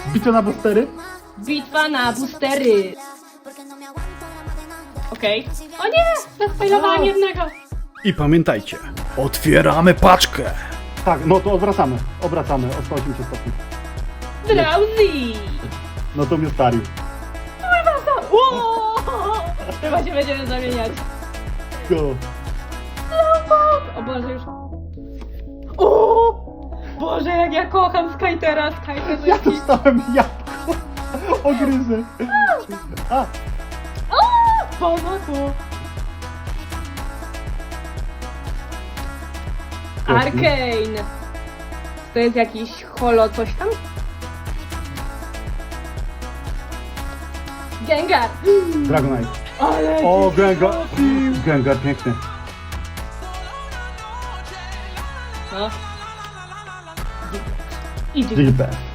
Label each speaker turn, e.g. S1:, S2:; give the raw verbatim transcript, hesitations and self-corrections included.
S1: Bitwa na boostery?
S2: Bitwa na boostery. Okej. Okay. O nie! Zaspoilowałam jednego.
S3: I pamiętajcie, otwieramy paczkę.
S1: Tak, no to odwracamy. Obracamy o sto osiemdziesiąt stopni.
S2: Drowsy!
S1: No to mnie starił.
S2: Uuu! Chyba się będziemy zamieniać.
S1: Go.
S2: O Boże, już... Uuu! Boże, jak ja kocham Skytera. Skyter to
S1: Ja
S2: jakiś...
S1: dostałem jabłko. Ogryzę. A,
S2: Pomoku! Arcane! To jest jakiś holo coś tam? Gengar!
S1: Dragonite.
S2: Ale
S1: O,
S2: cię
S1: Gengar.
S2: trafił.
S1: Gengar, piękny.
S2: No. I
S1: Digipest.